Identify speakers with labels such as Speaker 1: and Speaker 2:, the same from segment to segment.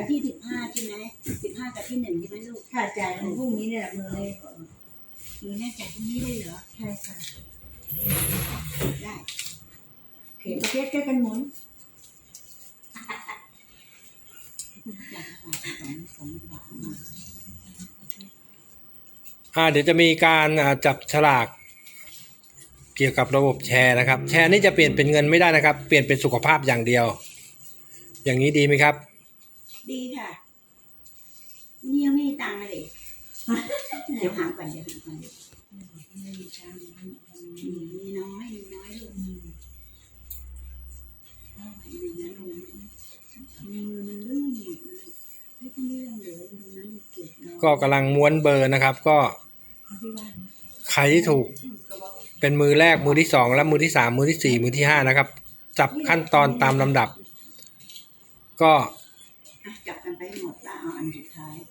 Speaker 1: ที่15ใช่ไหม15กับที่1ใช่ไหมลูก
Speaker 2: ค่ะจ่ายของพรุ่งนี้เนี่ยมือเลย
Speaker 1: มือแน่จ่ายพรุ่งนี้ได้เหรอ
Speaker 2: ใช่ค่ะ
Speaker 1: ได้
Speaker 2: โอเคประเภทแก้กันหมุน
Speaker 1: จ่าย2 บาท
Speaker 3: เดี๋ยวจะมีการจับฉลากเกี่ยวกับระบบแชร์นะครับแชร์นี่จะเปลี่ยนเป็นเงินไม่ได้นะครับเปลี่ยนเป็นสุขภาพอย่างเดียว อย่างนี้ดีไหมครับ
Speaker 1: ดีค่ะนี่ยังไม่มีตังค์เลยเดี๋ยวหาก่อนไม่มีตังค์มีน้อยลูกมือมันลื่นหมดเลยไม่ต้องเลื่อนเลยตรงนั้นเก็บ
Speaker 3: ก็กำลังม้วนเบอร์นะครับก็ใครที่ถูกเป็นมือแรกมือที่2และมือที่3มือที่4มือที่5นะครับจับขั้นตอนตามลำดับก็
Speaker 1: จับกันไปหมดแล้วเอาอันสุดท้าย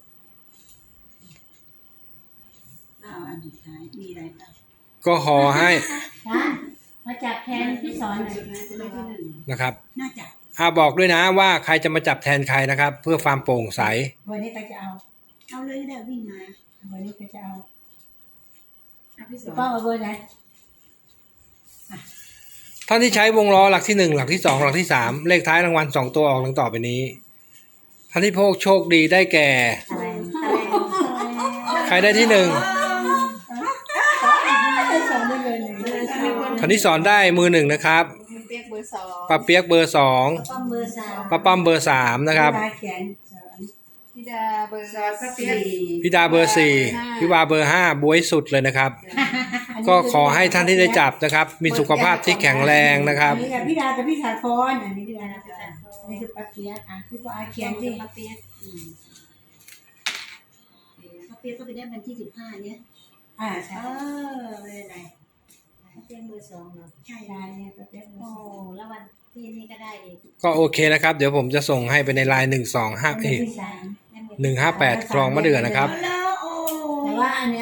Speaker 1: มีอะไรบ้าง
Speaker 3: ก็ขอให้
Speaker 2: มาจับแทนพี่สอนหน่อย
Speaker 3: นะครับ
Speaker 1: น่าจะ
Speaker 3: บอกด้วยนะว่าใครจะมาจับแทนใครนะครับเพื่อความโปร่งใส
Speaker 2: วันนี้ใครจะเอา
Speaker 1: เลยก็ได้วิ่งมา
Speaker 2: วันนี้ใครจะเอา
Speaker 1: พี่สอน
Speaker 2: ป้าเอาเบอร์ไหน
Speaker 3: ท่านที่ใช้วงล้อหลักที่1หลักที่2หลักที่3เลขท้ายรางวัล2ตัวออกดังต่อไปนี้ท่านที่โชคดีได้แก่ใครได้ที่1ท่านที่สอนได้มือ1นะครับป้าเปียกเบอร์2ป้าป้อมเบอร์3นะครับ
Speaker 4: พี่ดาเบอร์4
Speaker 3: พี่ดาเบอร์4พี่วาเบอร์5บวยสุดเลยนะครับก็ขอให้ท่านที่ได้จับนะครับมีสุขภาพที่แข็งแรงนะครับ
Speaker 2: นี่กับพี่ดากับพี่สาครอันนี้พี่ดานี่คือป้าเปียกพี่ป้าเขียนดิ
Speaker 1: ป้าเปียกก็ไปได้วันที่15เนี่ย
Speaker 2: ใช่
Speaker 1: ไม่เป็นไร
Speaker 2: เปียกเบอร์2เนาะ
Speaker 1: ใช่
Speaker 2: ได้เนี่ยป้าเปียก
Speaker 1: โอ้แล้ววันที่นี่ก็ได้อีก
Speaker 3: ก็โอเคนะครับเดี๋ยวผมจะส่งให้ไปในไลน์158คลองมะเดื่อนะครับ
Speaker 2: แต่ว่าอันนี้